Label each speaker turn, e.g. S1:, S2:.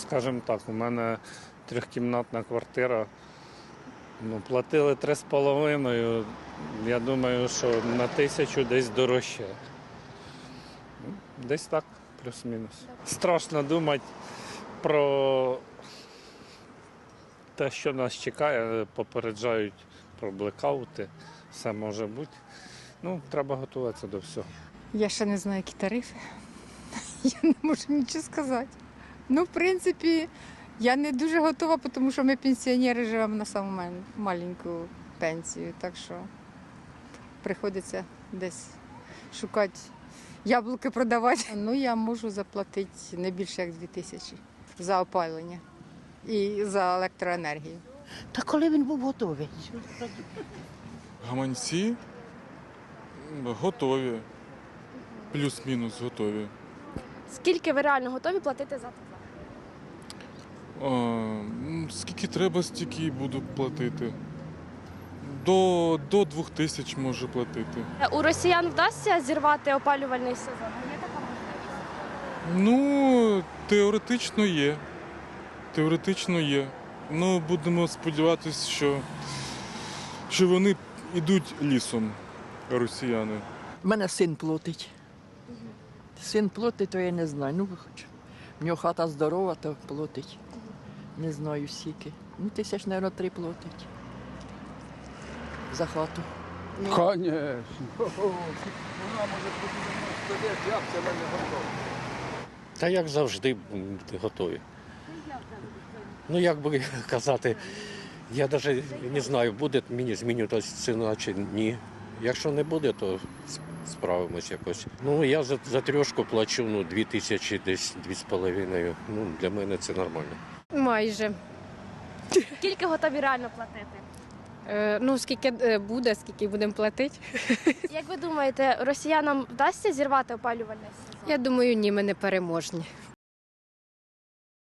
S1: скажімо так, у мене трьохкімнатна квартира. Платили 3,5, я думаю, що на 1000 десь дорожче. Десь так, плюс-мінус. Страшно думати про те, що нас чекає, попереджають про блекаути, все може бути. Треба готуватися до всього.
S2: Я ще не знаю, які тарифи. Я не можу нічого сказати. В принципі, я не дуже готова, тому що ми пенсіонери живемо на саму маленьку пенсію. Так що приходиться десь шукати яблуки продавати. Я можу заплатити не більше, як 2000 за опалення і за електроенергію.
S3: Та коли він був готовий?
S4: Гаманці готові, плюс-мінус готові.
S5: Скільки ви реально готові платити за тепло?
S4: Скільки треба, стільки і буду платити. До 2000 можу платити.
S5: У росіян вдасться зірвати опалювальний сезон? Є така можливість?
S4: Теоретично є. Теоретично є. Будемо сподіватися, що вони йдуть лісом, росіяни.
S3: У мене син платить. Син платить, то я не знаю. Хоч в нього хата здорова, то платить. Не знаю скільки. 1000, мабуть, 3 платить. За хату.
S6: Конечно. Вона може бути як це мене готова.
S7: Та як завжди готові. Як би казати, я навіть не знаю, буде мені змінюватися ціна чи ні. Якщо не буде, то справимось якось. Я за трьошку плачу 2000, десь 2,5. Для мене це нормально.
S8: Майже.
S5: Скільки готові реально платити?
S8: Скільки буде, скільки будемо платити.
S5: Як ви думаєте, росіянам вдасться зірвати опалювальний сезон?
S8: Я думаю, ні, ми не переможні.